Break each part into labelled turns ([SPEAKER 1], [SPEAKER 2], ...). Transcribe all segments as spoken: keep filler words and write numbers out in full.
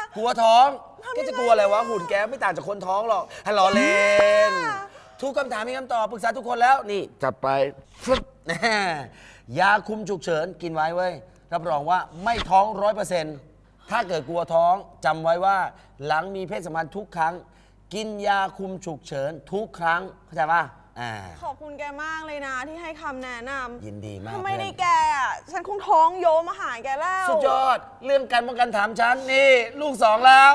[SPEAKER 1] กลัวท้องแกจะกลัวอะไรวะหุ่นแกไม่ต่างจากคนท้องหรอกให้ล้อเล่นทุกคำถามมีคำตอบปรึกษาทุกคนแล้วนี่จัดไปฟึบแน่ยาคุมฉุกเฉินกินไว้เว้ยรับรองว่าไม่ท้องร้อยเปอร์เซ็นต์ถ้าเกิดกลัวท้องจำไว้ว่าหลังมีเพศสัมพันธ์ทุกครั้งกินยาคุมฉุกเฉินทุกครั้งเข้าใจป่ะ
[SPEAKER 2] ขอบคุณแกมากเลยนะที่ให้คำแนะนำ
[SPEAKER 1] ยินดีมาก
[SPEAKER 2] ถ้าไม่ได้แกอ่ะฉันคงท้องโยมาหาแกแล้ว
[SPEAKER 1] สุดยอดเรื่องการป้องกันถามฉันนี่ลูกสองแล้ว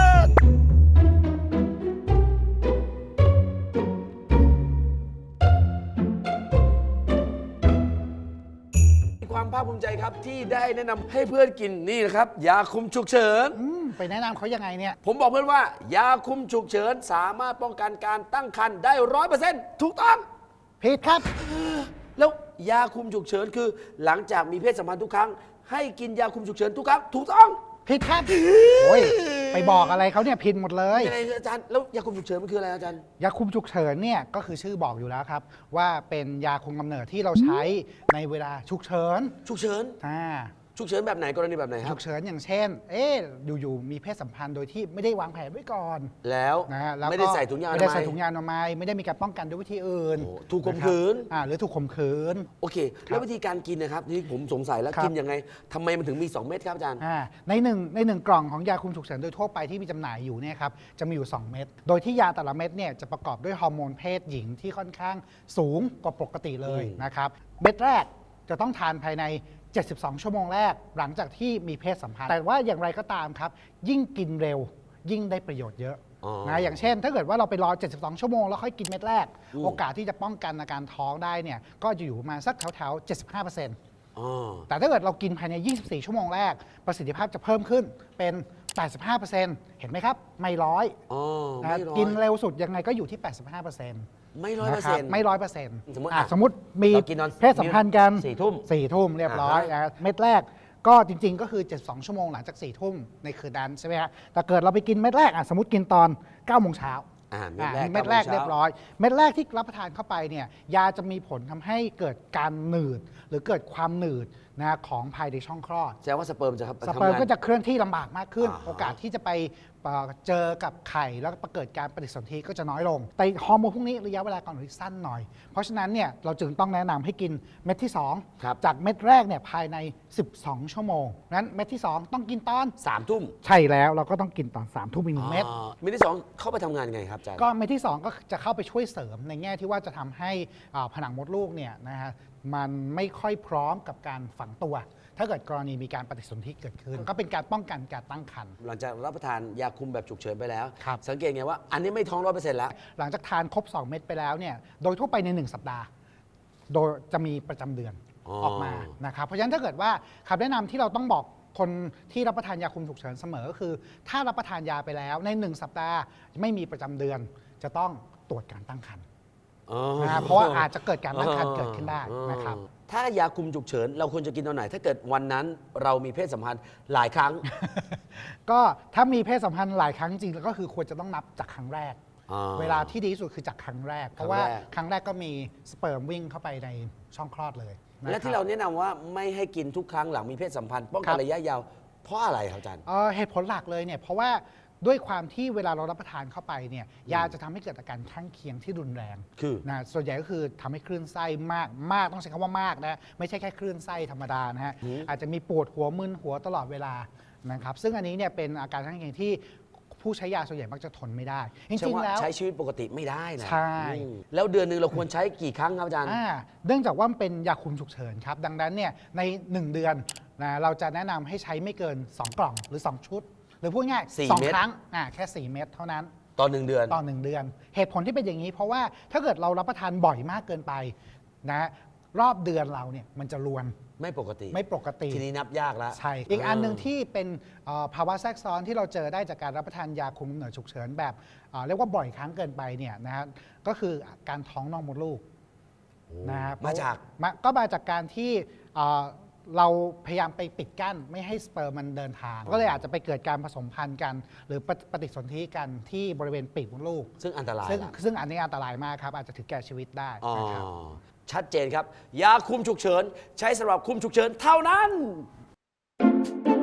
[SPEAKER 1] ความภาคภูมิใจครับที่ได้แนะนำให้เพื่อนกินนี่นะครับยาคุมฉุกเฉิน
[SPEAKER 3] ไปแนะนำเขายังไงเนี่ย
[SPEAKER 1] ผมบอกเพื่อนว่ายาคุมฉุกเฉินสามารถป้องกันการตั้งครรภ์ได้ร้อยเปอร์เซ็นต์ถูกต้อง
[SPEAKER 3] ผิดครับ
[SPEAKER 1] แล้วยาคุมฉุกเฉินคือหลังจากมีเพศสัมพันธ์ทุกครั้งให้กินยาคุมฉุกเฉินทุกครั้งถูกต้อง
[SPEAKER 3] ผิดครับโอ้ยไปบอกอะไรเขาเนี่ยผิดหมดเลย
[SPEAKER 1] อะไรอาจารย์แล้วยาคุมฉุกเฉินมันคืออะไรอาจารย์
[SPEAKER 3] ยาคุมฉุกเฉินเนี่ยก็คือชื่อบอกอยู่แล้วครับว่าเป็นยาคุมกำเนิดที่เราใช้ในเวลาฉุกเฉิน
[SPEAKER 1] ฉุกเฉิน
[SPEAKER 3] อ่า
[SPEAKER 1] ฉุกเฉินแบบไหนกรณีแบบไหนครับ
[SPEAKER 3] ฉุกเฉินอย่างเช่นเอ๊ะอยู่ๆมีเพศสัมพันธ์โดยที่ไม่ได้วางแผนไว้ก่อน
[SPEAKER 1] แล้ว
[SPEAKER 3] นะแล้ว
[SPEAKER 1] ไม่ได้ใส่ถุงยางอนามัย
[SPEAKER 3] ไม่ได้ใส่ถุงยางอนามัยไม่ได้มีการป้องกันด้วยวิธีอื่น
[SPEAKER 1] ถูกข่มขืน
[SPEAKER 3] อ่าหรือถูกข่มขืน
[SPEAKER 1] โอเคแล้ววิธีการกินนะครับที่ผมสงสัยแล้วกินยังไงทำไมมันถึงมีสองเม็ดครับอาจารย์
[SPEAKER 3] ในหนึ่งในหนึ่งกล่องของยาคุมฉุกเฉินโดยทั่วไปที่มีจำหน่ายอยู่เนี่ยครับจะมีอยู่สองเม็ดโดยที่ยาแต่ละเม็ดเนี่ยจะประกอบด้วยฮอร์โมนเพศหญิงที่ค่อนข้างสูงกว่าปกติเลยนะครับเม็ดแรกจะต้องทานภายในเจ็ดสิบสองชั่วโมงแรกหลังจากที่มีเพศสัมพันธ์แต่ว่าอย่างไรก็ตามครับยิ่งกินเร็วยิ่งได้ประโยชน์เยอะนะอย่างเช่นถ้าเกิดว่าเราไปรอเจ็ดสิบสองชั่วโมงแล้วค่อยกินเม็ดแรกโอกาสที่จะป้องกันอาการท้องได้เนี่ยก็จะอยู่ประมาณสักแถวๆ เจ็ดสิบห้าเปอร์เซ็นต์ แต่ถ้าเกิดเรากินภายในยี่สิบสี่ชั่วโมงแรกประสิทธิภาพจะเพิ่มขึ้นเป็น แปดสิบห้าเปอร์เซ็นต์ เห็นไหมครับไม่ร้อยนะกินเร็วสุดยังไงก็อยู่ที่ แปดสิบห้าเปอร์เซ็นต์
[SPEAKER 1] ไม่ร้อยเปอร์เซ็นต์
[SPEAKER 3] ไม่ร้อยเปอร์เซ็นต์
[SPEAKER 1] สมมติ
[SPEAKER 3] สมมติมีเพศสัมพันธ์กัน
[SPEAKER 1] สี่ทุ่ม
[SPEAKER 3] สี่ทุ่มเรียบร้อยเม็ดแรกก็จริงๆก็คือเจ็ดสิบสองชั่วโมงหลังจากสี่ทุ่มในคืนนั้นใช่ไหมฮะแต่เกิดเราไปกินเม็ดแรกสมมติกินตอนเก้าโมงเช้าเม็ดแรกเรียบร้อยเม็ดแรกที่รับประทานเข้าไปเนี่ยยาจะมีผลทำให้เกิดการหนืดหรือเกิดความหนืดนะของภายในช่องคลอด
[SPEAKER 1] แสดงว่าสเปิร์มจะ
[SPEAKER 3] สเปิร์มก็จะเคลื่อนที่ลำบากมากขึ้นโอกาสที่จะไปเจอกับไข่แล้วก็เกิดการปฏิสนธิก็จะน้อยลงแต่ฮอร์โมนพวกนี้ระยะเวลาการหนืดสั้นหน่อยเพราะฉะนั้นเนี่ยเราจึงต้องแนะนำให้กินเม็ดที่สองจากเม็ดแรกเนี่ยภายในสิบสองชั่วโมงนั้นเม็ดที่สองต้องกินตอน
[SPEAKER 1] สามทุ่ม
[SPEAKER 3] ใช่แล้วเราก็ต้องกินตอนสามทุ่มอีกหนึ่งเม็ด
[SPEAKER 1] เม็ดที่สองเข้าไปทำงานไงครับอาจารย์
[SPEAKER 3] ก็เม็ดที่สองก็จะเข้าไปช่วยเสริมในแง่ที่ว่าจะทำให้ผนังมดลูกเนี่ยนะฮะมันไม่ค่อยพร้อมกับการฝังตัวถ้าเกิดกรณีมีการปฏิสนธิเกิดขึ้นก็เป็นการป้องกันการตั้งครรภ์
[SPEAKER 1] หลังจากรับประทานยาคุมแบบฉุกเฉินไปแล้วสังเกตไงว่าอันนี้ไม่ท้องร้อยเปอร์เซ็นต์แล้ว
[SPEAKER 3] หลังจากทานครบสองเม็ดไปแล้วเนี่ยโดยทั่วไปในหนึ่งสัปดาห์โดยจะมีประจำเดือนออกมานะครับเพราะฉะนั้นถ้าเกิดว่าคำแนะนำที่เราต้องบอกคนที่รับประทานยาคุมฉุกเฉินเสมอก็คือถ้ารับประทานยาไปแล้วในหนึ่งสัปดาห์ไม่มีประจำเดือนจะต้องตรวจการตั้งครรภ์นะเพราะว่าอาจจะเกิดการตั้งครรภ์เกิดขึ้นได้นะครับ
[SPEAKER 1] ถ้ายาคุมฉุกเฉินเราควรจะกินตอนไหนถ้าเกิดวันนั้นเรามีเพศสัมพันธ์หลายครั้ง
[SPEAKER 3] ก็ถ้ามีเพศสัมพันธ์หลายครั้งจริงๆก็คือควรจะต้องนับจากครั้งแรกเวลาที่ดีที่สุดคือจากครั้งแรกเพราะว่าครั้งแรกก็มีสเปิร์มวิ่งเข้าไปในช่องคลอดเลย
[SPEAKER 1] และที่เราแนะนำว่าไม่ให้กินทุกครั้งหลังมีเพศสัมพันธ์ป้องกันระยะยาวเพราะอะไรครับอาจารย์
[SPEAKER 3] เหตุผลหลักเลยเนี่ยเพราะว่าด้วยความที่เวลาเรารับประทานเข้าไปเนี่ยยาจะทำให้เกิดอาการข้างเคียงที่รุนแรง
[SPEAKER 1] คือ
[SPEAKER 3] นะส่วนใหญ่ก็คือทำให้คลื่นไส้มากมากต้องใช้คำว่ามากนะไม่ใช่แค่คลื่นไส้ธรรมดานะฮะอาจจะมีปวดหัวมึนหัวตลอดเวลานะครับซึ่งอันนี้เนี่ยเป็นอาการข้างเคียงที่ผู้ใช้ยาส่วนใหญ่มักจะทนไม่ได้จริงๆแล้ว
[SPEAKER 1] ใช้ชีวิตปกติไม่ได้นะ
[SPEAKER 3] ใช่
[SPEAKER 1] แล้วเดือนหนึ่งเราควรใช้กี่ครั้งครับอาจารย์
[SPEAKER 3] เนื่องจากว่ามันเป็นยาคุมฉุกเฉินครับดังนั้นเนี่ยในหนึ่งเดือนนะเราจะแนะนำให้ใช้ไม่เกินสองกล่องหรือสองชุดหรือพูดง่ายสองครั้งอ่าแค่สี่เม็ดเท่านั้น
[SPEAKER 1] ต่อหนึ่งเดือน
[SPEAKER 3] ต่อหนึ่งเดือนเหตุผลที่เป็นอย่างนี้เพราะว่าถ้าเกิดเรารับประทานบ่อยมากเกินไปนะรอบเดือนเราเนี่ยมันจะรวน
[SPEAKER 1] ไม่ปกติ
[SPEAKER 3] ไม่ปกติ
[SPEAKER 1] ทีนี้นับยากแล้ว
[SPEAKER 3] ใช่อีกอันหนึ่งที่เป็นภาวะแทรกซ้อนที่เราเจอได้จากการรับประทานยาคุมกำเนิดฉุกเฉินแบบเรียกว่าบ่อยครั้งเกินไปเนี่ยนะฮะก็คือการท้องนอกมดลูก
[SPEAKER 1] นะครับมาจาก
[SPEAKER 3] ก็มาจากการที่เราพยายามไปปิดกั้นไม่ให้สเปิร์มมันเดินทางก็เลยอาจจะไปเกิดการผสมพันธุ์กันหรือปฏิสนธิกันที่บริเวณปีกมดลูก
[SPEAKER 1] ซึ่งอันตราย
[SPEAKER 3] ซึ่งซึ่งอันนี้อันตรายมากครับอาจจะถึงแก่ชีวิตได้นะครับ
[SPEAKER 1] ชัดเจนครับยาคุมฉุกเฉินใช้สำหรับคุมฉุกเฉินเท่านั้น